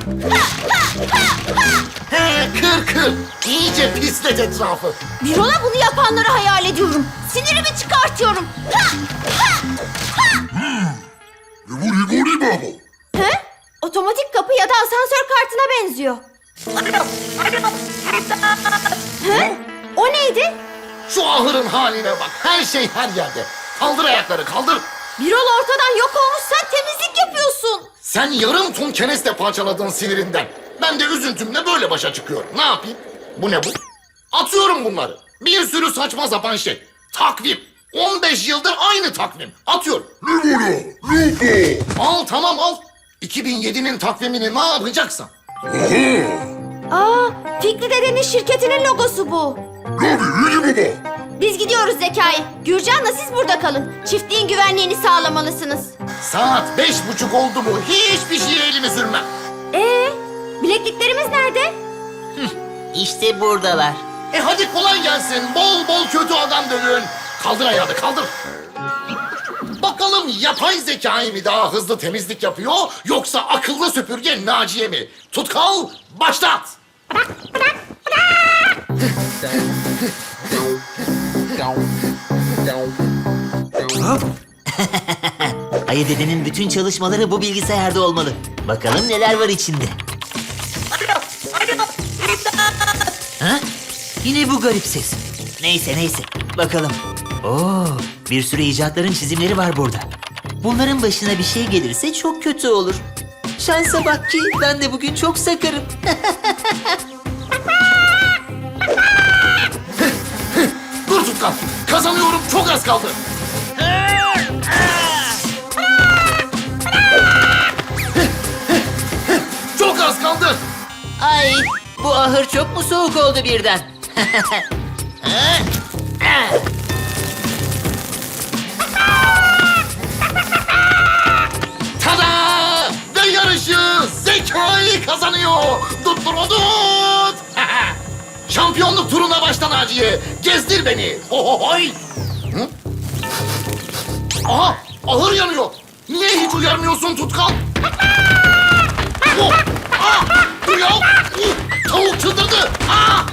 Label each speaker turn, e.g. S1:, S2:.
S1: He, kır. İyice pislet etrafı.
S2: Birol'a bunu yapanları hayal ediyorum. Sinirimi çıkartıyorum.
S3: Vuri baba.
S2: He? Otomatik kapı ya da asansör kartına benziyor. He? O neydi?
S1: Şu ahırın haline bak. Her şey her yerde. Kaldır ayakları, kaldır.
S2: Birol ortadan yok olmuş, sen temizlik yapıyorsun.
S1: Sen yarım ton kenesle parçaladın sinirinden. Ben de üzüntümle böyle başa çıkıyorum. Ne yapayım? Bu ne bu? Atıyorum bunları. Bir sürü saçma sapan şey. Takvim. 15 yıldır aynı takvim. Atıyorum. Al tamam al. 2007'nin takvimini ne yapacaksan.
S2: Aa, Fikri dedenin şirketinin logosu bu. Biz gidiyoruz Zekai. Gürcan'la siz burada kalın. Çiftliğin güvenliğini sağlamalısınız.
S1: Saat 5:30 oldu mu hiçbir şeye elimi sürmem.
S2: Bilekliklerimiz nerede?
S4: İşte buradalar.
S1: Hadi kolay gelsin. Bol bol kötü adam dövün. Kaldır ayağını kaldır. Bakalım yapay zekayı mı daha hızlı temizlik yapıyor yoksa akıllı süpürge Naciye mi? Tutkal başlat.
S4: Ayı dedenin bütün çalışmaları bu bilgisayarda olmalı. Bakalım neler var içinde. Ha? Yine bu garip ses. Neyse. Bakalım. Oo, bir sürü icatların çizimleri var burada. Bunların başına bir şey gelirse çok kötü olur. Şansa bak ki ben de bugün çok sakarım.
S1: Dur Tutkal. Kazanıyorum çok az kaldı. Çok az kaldı.
S4: Ay, bu ahır çok mu soğuk oldu birden?
S1: Tada! Ve yarışı Zekai kazanıyor. Tut. Şampiyonluk turuna başla Naciye. Gezdir beni. Hohohoy. Hı? Aha! Ahır yanıyor. Niye hiç uyarmıyorsun Tutkal? Oh! Ah! Dur ya! Tavuk çıldırdı. Ah!